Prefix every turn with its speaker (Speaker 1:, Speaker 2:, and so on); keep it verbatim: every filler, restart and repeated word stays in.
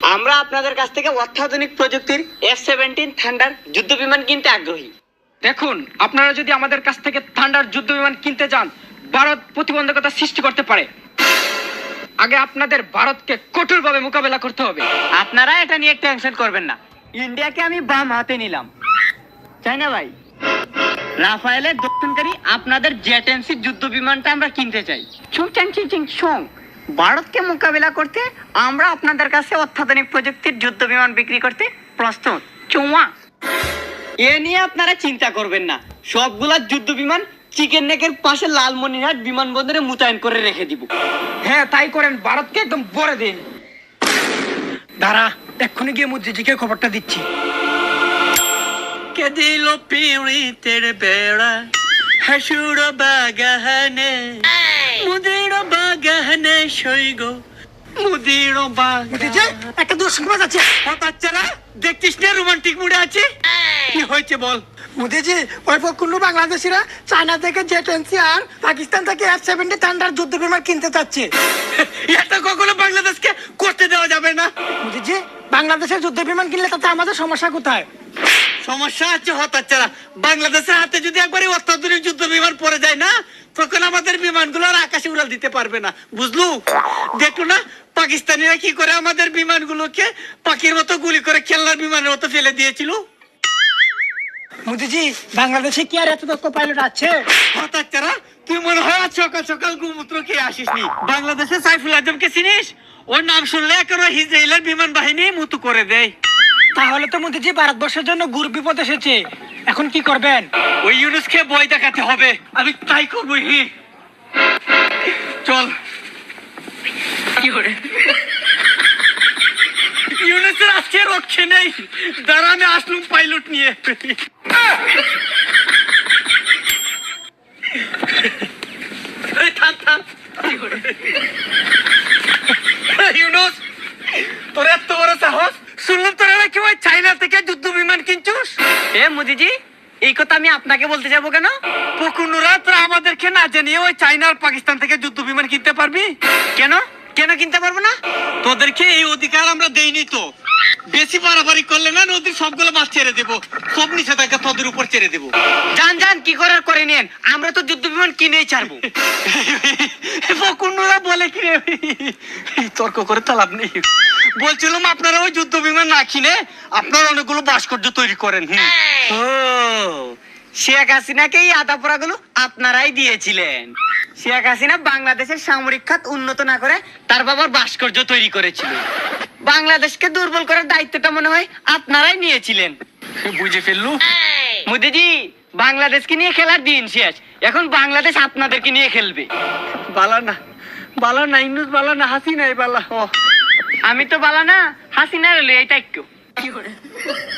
Speaker 1: আমরা আপনাদের কাছ থেকে অত্যাধুনিক প্রযুক্তির এফ সেভেন্টিন থান্ডার যুদ্ধ বিমান কিনতে আগ্রহী।
Speaker 2: দেখুন, আপনারা যদি আমাদের কাছ থেকে থান্ডার যুদ্ধ বিমান কিনতে চান, ভারত প্রতিবন্ধকতা সৃষ্টি করতে পারে। আগে আপনাদের ভারতকে কঠোরভাবে মোকাবেলা করতে হবে।
Speaker 1: আপনারা এটা নিয়ে টেনশন করবেন না, ইন্ডিয়াকে আমি বাম হাতে নিলাম। তাই না ভাই? রাফায়েলের দক্ষিণকারী আপনাদের জেট এমসি যুদ্ধ বিমানটা আমরা কিনতে চাই। ছুং চাং চিং চিং ছুং। ভারতকে মোকাবেলা করতে আমরা আপনাদের কাছে অত্যাধুনিক প্রযুক্তির যুদ্ধ বিমান বিক্রি করতে প্রস্তুত। চুয়া এ নিয়ে আপনারা চিন্তা করবেন না, সবগুলা যুদ্ধ বিমান চিকেন নেকের পাশে লালমনিরহাট বিমানবন্দরে মোতায়েন করে রেখে দিব।
Speaker 2: হ্যাঁ, তাই করেন, ভারতকে একদম ভরে দিন। দাঁড়া, এক্ষুনি গিয়ে মুদ্রিজিকে খবরটা দিচ্ছি।
Speaker 3: কে দিল পিড়িতের বেড়া হাসুর বাগানে, মুদির বাগানে সইগ মুদির
Speaker 2: মুদ্রিজি, একটা দুঃসংবাদ আছে।
Speaker 3: বাচ্চারা দেখছিস না রোমান্টিক মুডে আছে? কি হয়েছে বল।
Speaker 2: মুদ্রিজি, ওই পক্ষুণ্ণ বাংলাদেশিরা চায়না থেকে জেট এমসি আর পাকিস্তান থেকে এফ সেভেন্টি থান্ডার যুদ্ধ বিমান কিনতে চাচ্ছে।
Speaker 3: এটা কখনো বাংলাদেশকে করতে দেওয়া যাবে না।
Speaker 2: মুদ্রিজি, বাংলাদেশের যুদ্ধ বিমান কিনলে তাতে আমাদের সমস্যা কোথায়?
Speaker 3: সমস্যা আছে হতাচ্ছারা, বাংলাদেশের হাতে যদি একবারে অত্যাধুনিক যুদ্ধ বিমান পড়ে যায় না, তখন আমাদের বিমানগুলো আর আকাশে উড়াল দিতে পারবে না, বুঝলু? দেখো না পাকিস্তানিরা কি করে আমাদের বিমানগুলোকে পাখির মতো গুলি করে খেলনার বিমানের মতো ফেলে দিয়েছিল।
Speaker 2: মুদ্রিজি, বাংলাদেশে কি আর এত দক্ষ পাইলট আছে?
Speaker 3: হতাচ্ছারা, তুই মনে হয় আজ সকাল সকাল গোমূত্র খেয়ে আসিসনি। বাংলাদেশে সাইফুল আজমকে চিনিস? ওর নাম শুনলে একেবারে ইসরায়েলের বিমান বাহিনী মুতু করে দেয়।
Speaker 2: তাহলে তো মুদ্রিজি ভারতবর্ষের জন্য গুর বিপদ এসেছে, এখন কি করবেন?
Speaker 3: ওই ইউনুসকে বই দেখাতে হবে, আমি তাই করবো। হি চল। কি করে ইউনুসের আজকে রক্ষে নেই, দাঁড়া আমি আসলুম পাইলট নিয়ে। এই থাম থাম। কি করে ইউনুস, তোর এত বড় সাহস! শুনলাম তোরা নাকি ওই চায়না থেকে যুদ্ধ বিমান কিনছিস।
Speaker 1: এ মোদিজি, এই কথা আমি আপনাকে বলতে যাবো কেন?
Speaker 3: পকুনুরা তোরা আমাদেরকে না জানিয়ে ওই চায়না আর পাকিস্তান থেকে যুদ্ধ বিমান কিনতে পারবি?
Speaker 1: কেন কেন কিনতে পারবো না?
Speaker 3: তোদেরকে এই অধিকার আমরা দেইনি তো। বেশি বাড়াবাড়ি করলে না নদীর সবগুলো মাছ ছেড়ে দেবো, সব নিষেধাজ্ঞা তোদের উপর ছেড়ে দেবো।
Speaker 1: যান যান, কি করার করে নিন, আমরা তো যুদ্ধ বিমান কিনেই ছাড়বো।
Speaker 3: পকুনুরা বলে কি রে, তর্ক করে তো লাভ নেই। বলছিলাম আপনারা ওই যুদ্ধ বিমান না কিনে আপনারা অনেকগুলো ভাস্কর্য তৈরি করেন।
Speaker 1: ও, শেখ হাসিনাকে এই আদা পোড়াগুলো আপনারাই দিয়েছিলেন। শেখ হাসিনা বাংলাদেশের সামরিক খাত উন্নত না করে তার বাবার ভাস্কর্য তৈরি করেছিল। বাংলাদেশকে দুর্বল করার দায়িত্বটা মনে হয় আপনারাই নিয়েছিলেন।
Speaker 3: বুঝে ফেললু
Speaker 1: মোদিজি, বাংলাদেশকে নিয়ে খেলার দিন শেষ, এখন বাংলাদেশ আপনাদেরকে নিয়ে খেলবে।
Speaker 3: বালা না, বালা না ইউনুস, বালা না হাসিনাই বালা। ও
Speaker 1: আমি তো বালা না, হাসিনা রইল, এইটা একটু।